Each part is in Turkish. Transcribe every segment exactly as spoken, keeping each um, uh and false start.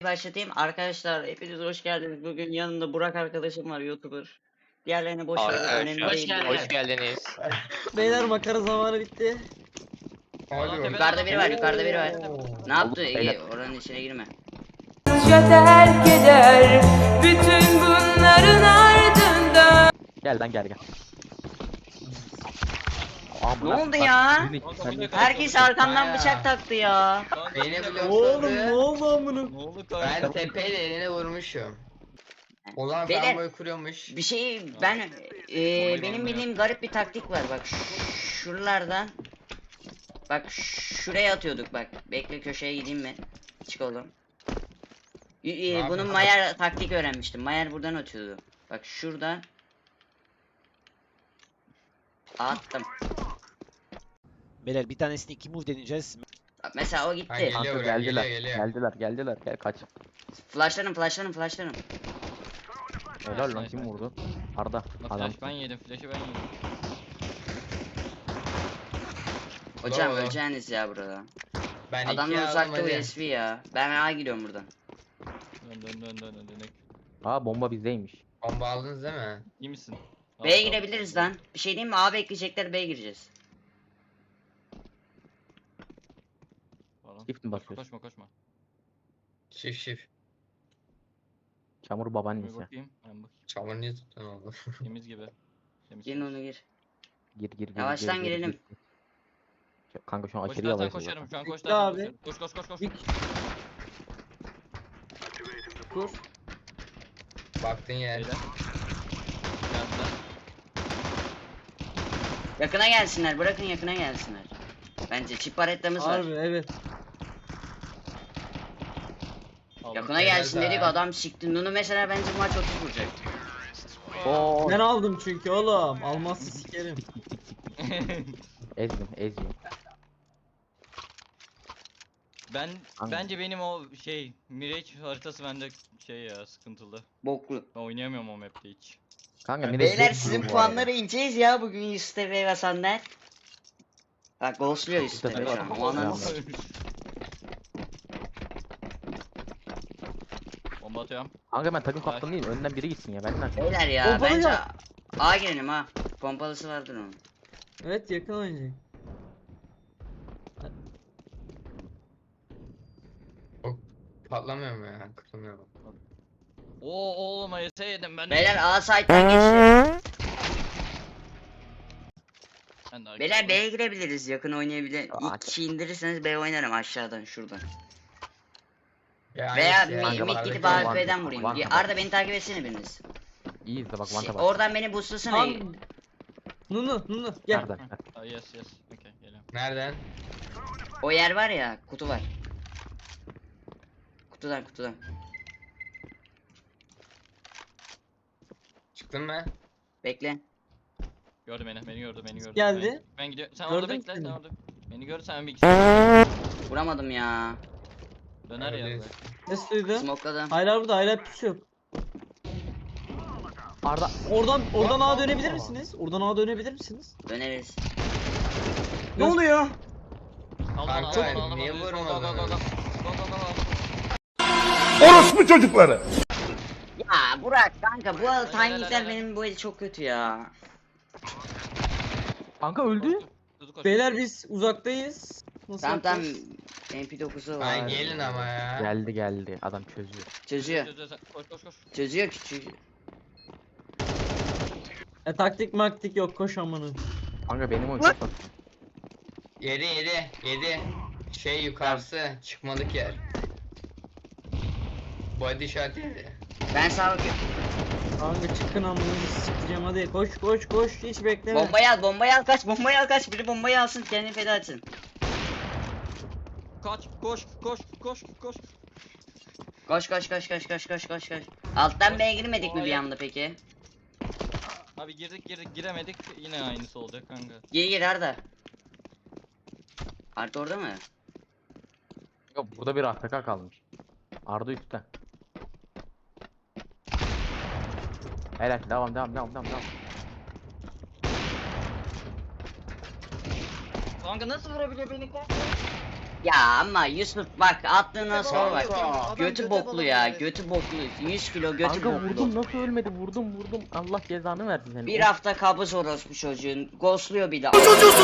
Başlatayım. Arkadaşlar hepiniz hoş geldiniz. Bugün yanımda Burak arkadaşım var, YouTuber. Diğerlerini boş verin, Arkadaşlar, önemli hoş değil. geldiniz. yani. Hoş geldiniz. Beyler makara zamanı bitti. Yukarıda biri var, yukarıda biri var. Ne yaptı? Beyler. İyi, oranın içine girme. terk eder bütün bunların ardından. Gel lan gel gel. Ne oldu ya? Sen- Herkes arkamdan bıçak taktı ya. Beni Oğlum blokladı. ne oldu amına? Ne oldu kanka? Ben tepeyle eline vurmuşum. Ulan Beyler, ben kuruyormuş. Bir şey ben e, benim bildiğim garip bir taktik var. Bak ş- şuralardan. Bak şuraya atıyorduk bak. Bekle köşeye gideyim mi? Çık oğlum. Y- e, yapıyorsun? bunun Mayer taktik öğrenmiştim. Mayer buradan atıyordu. Bak şuradan. Attım. Beyler bir tanesini iki move deneyeceğiz. Bak mesela o Ha, gitti. geliyor Kanka buraya, geldiler. geliyor, geliyor. Geldiler geldiler gel kaç. Flashlarım flashlarım flashlarım. Helal lan kim vurdu? Arda adam. Flash ben yedim, flash'ı ben yedim. Hocam Bravo. öleceğiniz ya burada. Ben Adamlar ikiye aldım uzakta hadi. U S B ya. Ben A gidiyorum buradan. Dön dön dön dön dön dön. Aa bomba bizdeymiş. Bomba aldınız değil mi? İyi misin? B'ye Al, al, girebiliriz al. lan. Bir şey diyeyim mi? A bekleyecekler, B'ye gireceğiz. Falan. Shift mi basıyorsun? Koşma koşma. Şif şif. Çamur Bir babaannesi. bakayım. Ben bak. Çamur niye tuttun oldu? Temiz gibi. Temiz. Girin onu gir. Gir gir gir. Yavaştan gir, gir, girelim. gir. Kanka şu an Koş aşırı dersen yavaş. koşarım. Şu an koş Bitti dersen abi. koşarım. Koş koş koş koş. Bir- Kur. Baktın yer. Beyler. Geldiler. Yakına gelsinler. Bırakın yakına gelsinler. Bence çip paretlamız var. Harbi evet. Aldım. Yakına Helal gelsin be. dedik, adam sikti. Nunu mesela bence bu maç otuz vuracak. Oo. Ben aldım çünkü oğlum. Almazsa sikerim. Ezdim ezdim. Ben Hangi? bence benim o şey Mirage haritası bende şey ya sıkıntılı. Boklu. Ben oynayamıyorum o map'te hiç. Kanka ne Beyler sizin puanları ineceğiz ya bugün Yusuf Tepe ve Sander. Bak ghostluyor Yusuf Tepe şu an. O ananı s- Bomba atıyorum. Kanka ben takım kaptanı değilim. Önden biri gitsin ya benden. Beyler ya Pompalı bence ya. A girelim ha. Pompalısı vardır onun. Evet yakın oynayacak. Patlamıyor mu ya? Kırılmıyor mu? Oo oğlum A S yedim ben. de. Beyler A site'den geçti. Ben de Beyler B'ye girebiliriz, yakın oynayabilir. Aa, İlk kişi indirirseniz B oynarım aşağıdan şuradan. Ya Veya hangisi ya? mi- mid Yukarıdaki gidip olan. A F K'den A F'den vurayım. Van Bir- Van. Arda beni takip etsene biriniz. İyi izle bak Şey, vanta bak. oradan beni boostlasana. Tam. Nunu Nunu gel. Nereden? Ah, yes yes. Okay geliyorum. Nereden? O yer var ya, kutu var. Kutudan kutudan. Çıktın mı? Bekle. Gördü beni, beni gördü, beni gördü. Geldi. Ben, ben gidiyorum. Sen Gördün orada bekle, seni. sen orada. Beni gör, sen bir Vuramadım ya. döner ya. Öyleyiz. Ses duydu. Smokladım. Hayır burada hayır pusu yok. Arda. Oradan oradan Bak, A bak, dönebilir bak. misiniz? Oradan A dönebilir misiniz? Döneriz. Ne oluyor? Al Kanka, al al al al. niye Go, go, go, vurmadın? go, go. Go, go, go, go. Orospu çocukları. Ya Burak kanka bu Helal, timingler helal. benim bu el çok kötü ya. Kanka öldü. Hızlı koş. Beyler biz uzaktayız. Nasıl Tamam tamam. yapacağız? M P dokuzu var. Ay gelin ama ya. Geldi geldi. Adam çözüyor. Çözüyor. Çöz, çöz, çöz. Koş koş koş. Çözüyor küçük. E, taktik maktik yok koş amanın. Kanka benim oyun çok bak. Yedi yedi yedi. Şey yukarısı çıkmadık yer. Body shot yedi. Ben sağa bakıyorum. Kanka çıkın amanın sikeceğim hadi koş koş koş hiç bekleme. Bombayı al, bombayı al kaç, bombayı al kaç. Biri bombayı alsın, kendini feda etsin. Kaç, koş, koş, koş, koş. Koş koş koş koş koş koş koş koş. Alttan B'ye girmedik mi bir Hayır. anda peki? Abi girdik girdik giremedik yine aynısı olacak kanka. Gir gir Arda. Arda orada mı? Yok burada bir A F K kalmış. Arda üstte. Helal devam devam devam devam devam. Kanka nasıl vurabiliyor beni kanka? Ya ama Yusuf bak attığına sonra bak. Adam Götü göte boklu balonu ya. verdi. Götü boklu. yüz kilo götü Kanka boklu. vurdum nasıl ölmedi vurdum vurdum. Allah cezanı versin seni. Bir Of, hafta kabız orospu çocuğun. Ghostluyor bir de.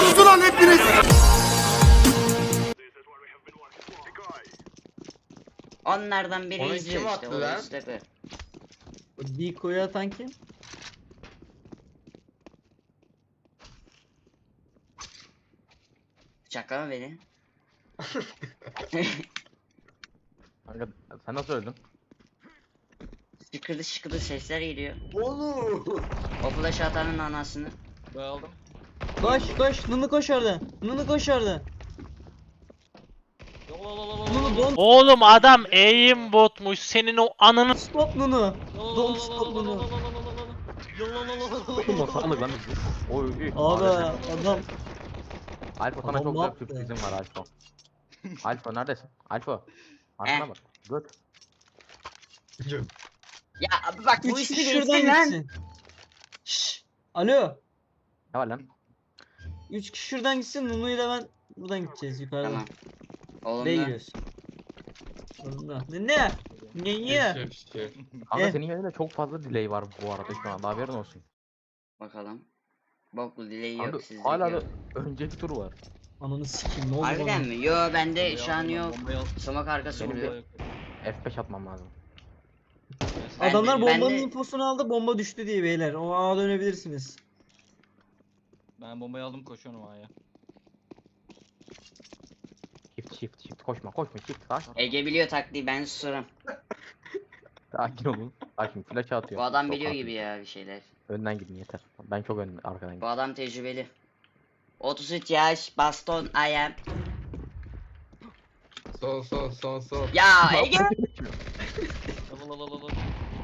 Onlardan biri Onu izliyor kim işte. attı O lan? Öztepe. O Diko'yu atan kim? Çakama beni. Kanka sen nasıl öldün? Şıkırdı şıkırdı sesler geliyor. Oğlum. O flash atanın anasını. Ben aldım. Koş koş. Nunu koş orada. Nunu koş orada. Nunu don't Oğlum adam aim botmuş senin o ananı stop Nunu. Don't stop Nunu. Kim o sandık lan? Oy oy. Abi adam. Alfa sana Adam çok ne güzel yaptı? sürprizim var Alfa. Alfa neredesin? Alfa. Arkana Eh. bak. Göt. Ya abi bak bu Üç ismi kişi değilsin şuradan lan. gitsin. Şşş. Alo. Ne var lan? Üç kişi şuradan gitsin. Nunu ile ben buradan gideceğiz yukarıdan. Tamam. Oğlum B'ye da. giriyoruz. Oğlum Ne ne? Ne ne? Şef, şef. Kanka Eh. senin yerinde çok fazla delay var bu arada şu anda haberin olsun. Bakalım. Boklu delay Kanka yok sizde. hala da yok. önceki tur var. Ananı sikeyim ne oldu Harbiden bana? mi? Yo bende şu an yok. Bombayı al. Sumak arkası Benim vuruyor. de- F beş atmam lazım. Ben Adamlar de- ben bombanın de- infosunu aldı bomba düştü diye beyler. O ağa dönebilirsiniz. Ben bombayı aldım koşuyorum A'ya. Shift shift shift koşma koşma shift sakin. Ege biliyor taktiği ben susurum. Sakin olun. Bak şimdi flash atıyor. Bu adam Çok biliyor hafif. gibi ya bir şeyler. Önden gidin yeter. Ben çok ön arkadan Bu gidiyorum. adam tecrübeli. otuz üç yaş, baston, I am. Sol sol sol sol. Ya Ege! Lalalala.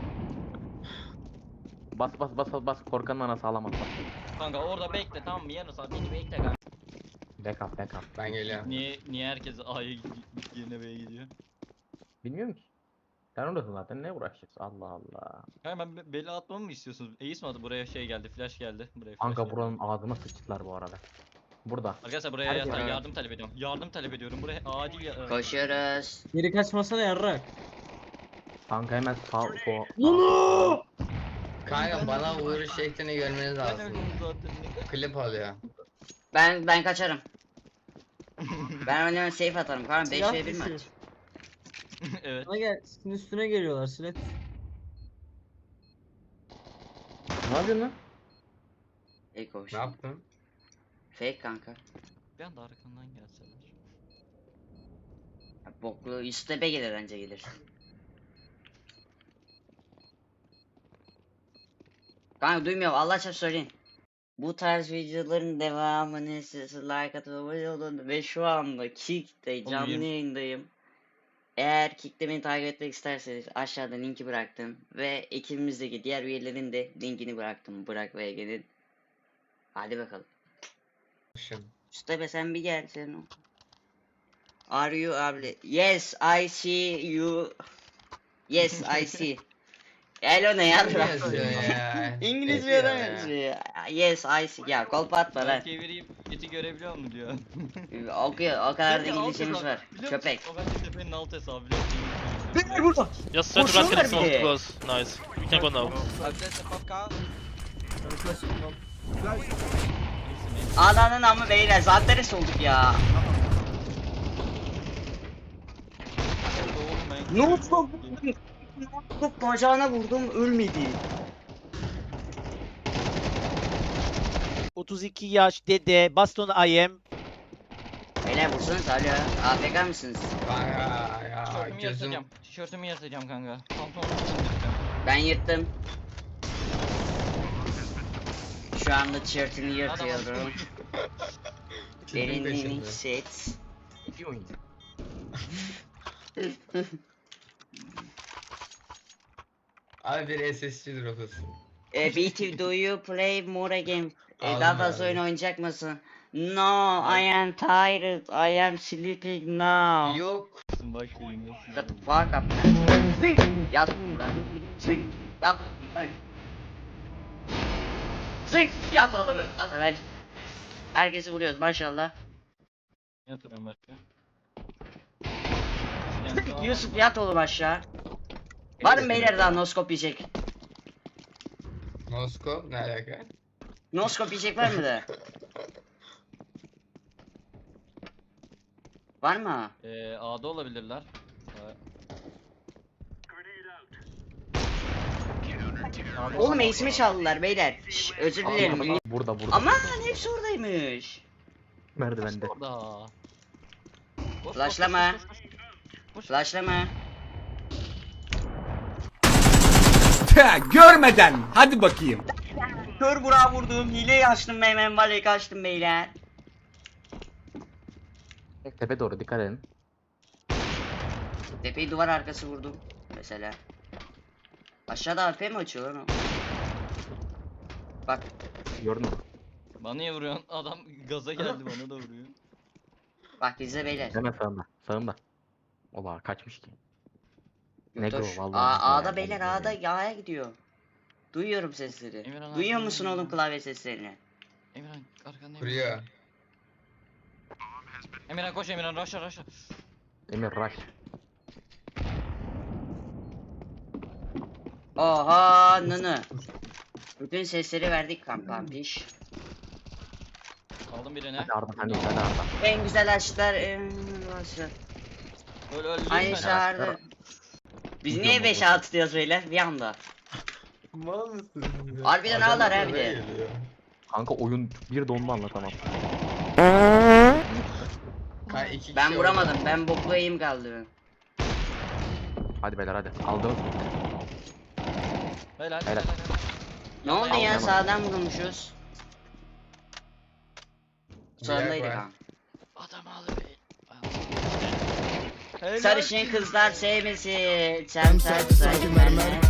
Bas bas bas bas bas korkanın anası alamaz bas. Kanka orada bekle tamam mı? Yarın saat beni bekle kanka. Backup backup. Ben geliyorum. Niye niye herkes A'ya gidiyor, yerine B'ye gidiyor? Bilmiyorum ki. Sen oradasın zaten ne uğraşacağız Allah Allah. Kanka ben be- bela atmamı mı istiyorsunuz? Ace mi attı? Buraya şey geldi, flash geldi. Buraya flash Kanka geldi. buranın ağzına sıçtılar bu arada. Burada. Arkadaşlar buraya Herkes- ya- yardım talep ediyorum. Yardım talep ediyorum. Buraya acil ya- Koşuyoruz. Geri kaçmasana yarrak. Kanka hemen sağ sol. Nunu! Kanka bana vuruş şeklini görmeniz Ben lazım. öldüm zaten. Klip alıyor. Ben ben kaçarım. Ben öyle safe atarım. Karan beş Silah ve bir maç. düşüyor. Evet. Bana gel. Senin üstüne geliyorlar Silet. Ne yapıyorsun lan? Ey koş. Ne yaptın? Fake kanka. Bir anda arkandan gelseler. Ya, Boklu üstebe gelir önce gelir. Kanka duymuyorum Allah çarpı söyleyin. Bu tarz videoların devamını siz like atıp abone olun ve şu anda Kick'te canlı yirmi. yayındayım. Eğer Kick'te beni takip etmek isterseniz aşağıda linki bıraktım ve ekibimizdeki diğer üyelerin de linkini bıraktım. Burak ve Ege'nin. Hadi bakalım. Şun. Üstebe sen bir gel sen o. Are you abi? Yes I see you. Yes I see. Hello ne ya? Ne yazıyor ya? İngiliz bir Yazıyor adam ya. yazıyor. Yes I see. Ya kolpa atma lan. Ben çevireyim, eti görebiliyor mu diyor. Okuyor. O kadar da Kanka, alt İngilizcemiz hesabı, var. biliyor musun? Köpek. O bence tepenin alt hesabı biliyor musun? Beni burada. Just try to Koşuyorlar run get bir de. close. Nice. We can go now. Ananın amı beyler. Zanteres olduk ya. Ne oldu? Top bacağına vurdum ölmedi. otuz iki yaş dede baston I am. Beyler vursanız alo. A F K mısınız? Kanka ya Tişörtümü gözüm. yırtacağım. Tişörtümü yırtacağım kanka. Pantolonumu indireceğim. Ben yırttım. Şu anda tişörtünü yırtıyorum. Tipin Derinliğini peşinde. hisset. İki oyun. Abi bir S S G drop'usun. E, B T do you play more game? E, Aldım daha fazla abi. oyun oynayacak mısın? No, I am tired. I am sleeping now. Yok. Bak şimdi. Shut the fuck up. Yat lan. Sing. Yat. lan. Sing. Yat oğlum. Hadi. Herkesi vuruyoruz maşallah. Yatıyorum başka. Yusuf yat oğlum aşağı. Var mı beyler daha noskop yiyecek? Moskov ne alaka? Noskop yiyecek var mı da? Var mı? Ee, A'da olabilirler. Ee, A'da Oğlum olabilir. ace'imi çaldılar beyler. Şş, özür dilerim. Burada burada. Aman hepsi oradaymış. Merdivende. Orada. Koş, koş, Flashlama. koş, koş, koş. Flashlama. Görmeden hadi bakayım. Kör bura vurdum. Hileyi açtım ben hemen valek açtım beyler. Tepe doğru dikkat edin. Tepeyi duvar arkası vurdum. Mesela. Aşağıda A P mi açıyor lan o? Bak. Gördün mü? Bana niye vuruyorsun? Adam gaza geldi bana da vuruyor. Bak izle beyler. Hemen sağında. Sağında. Ola kaçmış ki. Negro Yotoş. vallahi. A, A'da Negro beyler yani. A'da A'ya gidiyor. Duyuyorum sesleri. Emirhan Duyuyor arkandayım musun ya. oğlum klavye seslerini? Emirhan arkandayım. Kuruyor. Emirhan koş Emirhan raşla raşla. Emir rush. Oha nını. Bütün sesleri verdik kankam piş. Aldım birini. Hadi Arda sen de hadi Arda. En güzel aşklar en başlar. Öl öl Aynı lütfen. çağırdı. Biz niye beş altı diyoruz beyler bir anda? Mal mısın? Harbiden Adam ağlar ha bir oraya de. geliyor. Kanka oyun bir dondu anlatamam. Ha, iki Ben kişi vuramadım. orada. Ben boklu eğim kaldı. Hadi beyler hadi. Aldınız mı? Helal helal Helal. helal. Ne oldu ya Aldım. sağdan vurulmuşuz. Sonundaydık var. ha. Adam aldı be. Helal. Sarışın kızlar sevmesin. Sen sen sen.